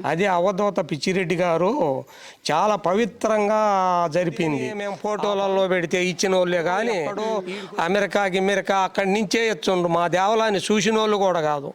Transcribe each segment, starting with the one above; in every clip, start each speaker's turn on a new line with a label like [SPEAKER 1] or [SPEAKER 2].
[SPEAKER 1] అది అవధూత పిచ్చిరెడ్డి గారు చాలా పవిత్రంగా జరిపింది. మేము ఫోటోలలో పెడితే ఇచ్చిన వాళ్ళే కానీ అమెరికా అక్కడి నుంచే ఇచ్చుండ్రు. మా దేవాలయాన్ని చూసిన వాళ్ళు కూడా కాదు.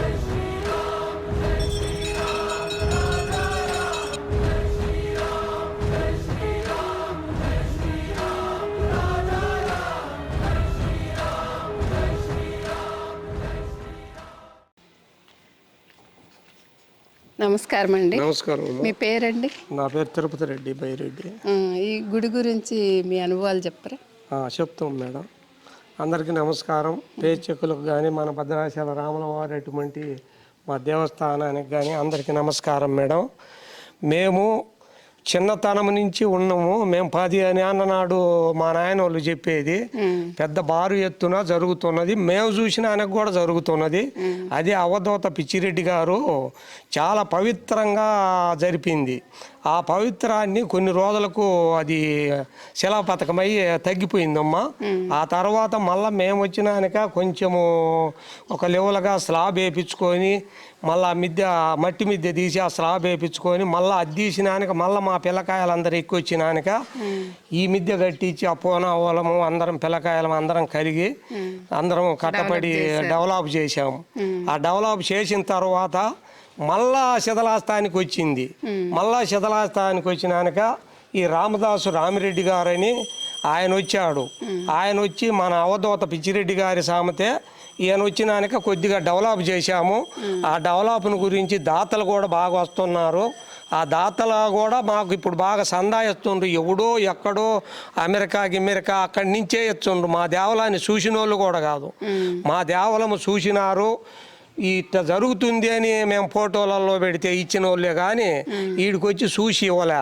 [SPEAKER 2] నమస్కారం అండి.
[SPEAKER 1] నమస్కారం.
[SPEAKER 2] మీ పేరండి?
[SPEAKER 1] నా పేరు తిరుపతి రెడ్డి బైరెడ్డి.
[SPEAKER 2] ఈ గుడి గురించి మీ అనుభవాలు చెప్పరా?
[SPEAKER 1] చెప్తాం మేడం. అందరికీ నమస్కారం. ప్రేక్షకులకు కానీ మన భద్రాచల రాముల వారి అటువంటి మా దేవస్థానానికి కానీ అందరికీ నమస్కారం మేడం. మేము చిన్నతనం నుంచి ఉన్నాము. మేము 10 నాడు మా నాయన వాళ్ళు చెప్పేది పెద్ద బారు ఎత్తున జరుగుతున్నది. మేము చూసిన ఆయనకు కూడా జరుగుతున్నది. అది అవధూత పిచ్చిరెడ్డి గారు చాలా పవిత్రంగా జరిపింది. ఆ పవిత్రాన్ని కొన్ని రోజులకు అది శిలాపథకమై తగ్గిపోయిందమ్మా. ఆ తర్వాత మళ్ళీ మేము వచ్చినాక కొంచెము ఒక లెవెల్గా స్లాబ్ వేయించుకొని మళ్ళీ మట్టి మిద్దె తీసి ఆ స్లాబ్ వేయించుకొని మళ్ళీ అది తీసినాక మళ్ళీ మా పిల్లకాయలందరూ ఎక్కువ వచ్చినాక ఈ మిద్దె కట్టించి ఆ పూనావలము అందరం పిల్లకాయలం అందరం కలిగి అందరం కట్టపడి డెవలప్ చేసాము. ఆ డెవలప్ చేసిన తర్వాత మళ్ళా శిథిలాస్థానికి వచ్చింది. మళ్ళా శిథిలాస్థానికి వచ్చినాక ఈ రామిరెడ్డి గారని ఆయన వచ్చాడు. ఆయన వచ్చి మన అవధూత పిచ్చిరెడ్డి గారి సామెతే ఈయన వచ్చినాక కొద్దిగా డెవలప్ చేశాము. ఆ డెవలప్ను గురించి దాతలు కూడా బాగా వస్తున్నారు. ఆ దాతలు కూడా మాకు ఇప్పుడు బాగా సందాయిస్తుండ్రు. ఎవడో ఎక్కడో అమెరికా అక్కడి నుంచే ఇచ్చుండ్రు. మా దేవాలయాన్ని చూసిన వాళ్ళు కూడా కాదు. మా దేవాలయము చూసినారు. ఇట్లా జరుగుతుంది అని మేము ఫోటోలలో పెడితే ఇచ్చిన వాళ్ళే కానీ వీడికి వచ్చి చూసి ఇవ్వలే.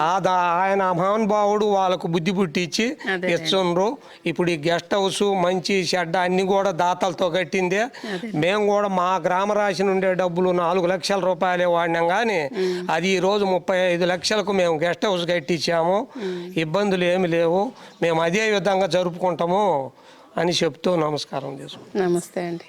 [SPEAKER 1] ఆయన మహానుభావుడు వాళ్ళకు బుద్ధి పుట్టించి ఇచ్చుండ్రు. ఇప్పుడు ఈ గెస్ట్ హౌస్ మంచి షెడ్ అన్ని కూడా దాతలతో కట్టిందే. మేము కూడా మా గ్రామ రాశి నుండే డబ్బులు 4 లక్షల రూపాయలే వాడినాం కానీ అది ఈరోజు 35 లక్షలకు మేము గెస్ట్ హౌస్ కట్టించాము. ఇబ్బందులు ఏమి లేవు. మేము అదే విధంగా జరుపుకుంటాము అని చెప్తూ నమస్కారం చేసుకుంటాం.
[SPEAKER 2] నమస్తే అండి.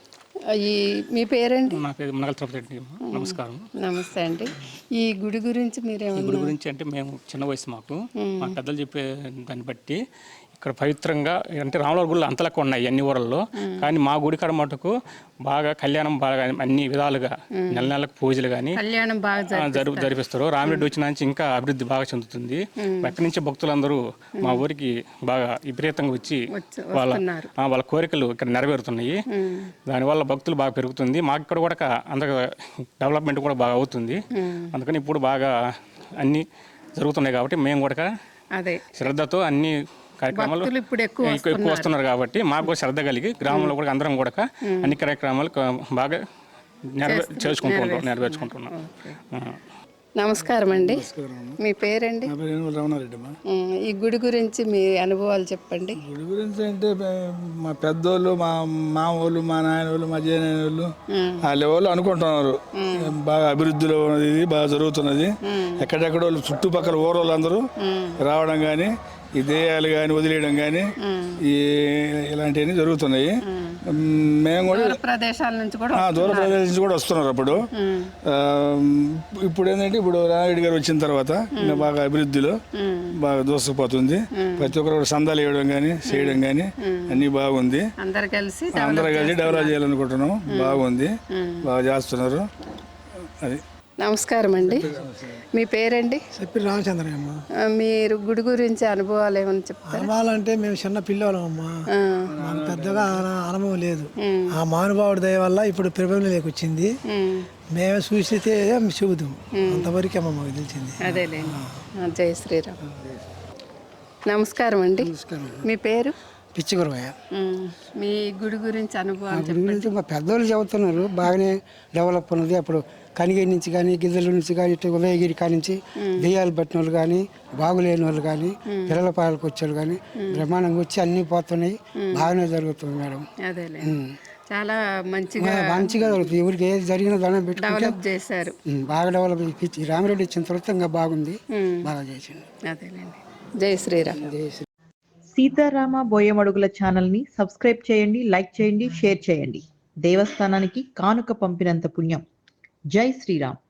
[SPEAKER 2] మీ పేరండి?
[SPEAKER 3] నా పేరు మునగల తిరుపతి రెడ్డి. నమస్కారం.
[SPEAKER 2] నమస్తే అండి. ఈ గుడి గురించి
[SPEAKER 3] ఈ గుడి గురించి అంటే మేము చిన్న వయసు మాకు మా పెద్దలు చెప్పే దాన్ని బట్టి ఇక్కడ పవిత్రంగా అంటే రాముల గుళ్ళు అంతలకు ఉన్నాయి అన్ని ఊరల్లో. కానీ మా గుడి కాడ మటుకు బాగా కళ్యాణం బాగా అన్ని విధాలుగా నెలకు పూజలు కానీ జరిపిస్తారు. రామిరెడ్డి వచ్చిన నుంచి ఇంకా అభివృద్ధి బాగా చెందుతుంది. ఎక్కడి నుంచి భక్తులందరూ మా ఊరికి బాగా విపరీతంగా వచ్చి వాళ్ళ కోరికలు ఇక్కడ నెరవేరుతున్నాయి. దానివల్ల భక్తులు బాగా పెరుగుతుంది. మాకు ఇక్కడ కూడా అందరూ డెవలప్మెంట్ కూడా బాగా అవుతుంది. అందుకని ఇప్పుడు బాగా అన్నీ జరుగుతున్నాయి కాబట్టి మేము కూడా శ్రద్ధతో అన్ని కార్యక్రమాలు ఎక్కువ వస్తున్నారు కాబట్టి మాకు కూడా శ్రద్ధ కలిగి గ్రామంలో కూడా అందరం కూడా అన్ని కార్యక్రమాలు బాగా నెరవేర్చుకుంటున్నాం.
[SPEAKER 2] నమస్కారం అండి. మీ పేరండి? ఈ గుడి గురించి మీ అనుభవాలు చెప్పండి.
[SPEAKER 4] గుడి గురించి అంటే మా పెద్దోళ్ళు మా మామూలు మా నాయన వాళ్ళు మా జయనాయన వాళ్ళు ఆ లెవెల్లో అనుకుంటున్నారు. బాగా అభివృద్ధిలో ఉన్నది, బాగా జరుగుతున్నది. ఎక్కడెక్కడో చుట్టుపక్కల ఊరోళ్ళందరూ రావడం కానీ ఈ దేయాలు కానీ వదిలేయడం కానీ ఇలాంటివన్నీ జరుగుతున్నాయి. మేము కూడా దూర ప్రదేశాల నుంచి కూడా వస్తున్నారు. అప్పుడు ఇప్పుడు ఏంటంటే ఇప్పుడు రామిరెడ్డి గారు వచ్చిన తర్వాత బాగా అభివృద్ధిలో బాగా దూసుకుపోతుంది. ప్రతి ఒక్కరు సందాలు వేయడం కానీ చేయడం కానీ అన్నీ బాగుంది. అందరూ కలిసి డెవలప్ చేయాలనుకుంటున్నాం. బాగుంది, బాగా చేస్తున్నారు. అది.
[SPEAKER 2] నమస్కారం అండి. మీ పేరండి?
[SPEAKER 5] చెప్పి రామచంద్రయ్యమ్మ.
[SPEAKER 2] మీరు గుడి గురించి అనుభవాలు ఏమైనా చెప్తారా?
[SPEAKER 5] అనుభవాలంటే మేము చిన్న పిల్లలమ్మా, మాకు పెద్దగా అనుభవం లేదు. ఆ మహానుభావుడి దయ వల్ల ఇప్పుడు ప్రభుత్వంలోకి వచ్చింది. మేమే చూసితే చెబుతాం, అంతవరకేమో మాకు తెలిసింది.
[SPEAKER 2] అదేలేండి. జై శ్రీరామ్. నమస్కారం అండి. మీ పేరు?
[SPEAKER 5] పిచ్చి గురవయ్య.
[SPEAKER 2] మీ గుడి గురించి అనుభవాలు
[SPEAKER 5] గుడి గురించి మా పెద్దోళ్ళు చెబుతున్నారు. బాగానే డెవలప్ ఉన్నది. అప్పుడు కనిగిరి నుంచి కానీ గిద్దల నుంచి కానీ ఇటు ఉదయగిరి కానించి దెయ్యాలు పట్టిన వాళ్ళు కానీ బాగులేని వాళ్ళు కానీ పిల్లల పాలకు వచ్చేవాళ్ళు కానీ బ్రహ్మాండంగా వచ్చి అన్నీ పోతున్నాయి. బాగానే జరుగుతుంది మేడం.
[SPEAKER 2] చాలా మంచిగా
[SPEAKER 5] జరుగుతుంది. ఎవరికి ఏది జరిగినా దండం పెట్టుకుంటే
[SPEAKER 2] చేశారు.
[SPEAKER 5] బాగా డెవలప్. రామిరెడ్డి వచ్చిన తర్వాత ఇంకా బాగుంది, బాగా చేసింది.
[SPEAKER 2] జై శ్రీరామ్.
[SPEAKER 6] సీతారామ బోయమడుగుల ఛానల్ని సబ్స్క్రైబ్ చేయండి, లైక్ చేయండి, షేర్ చేయండి. దేవస్థానానికి కానుక పంపినంత పుణ్యం. జై శ్రీరామ్.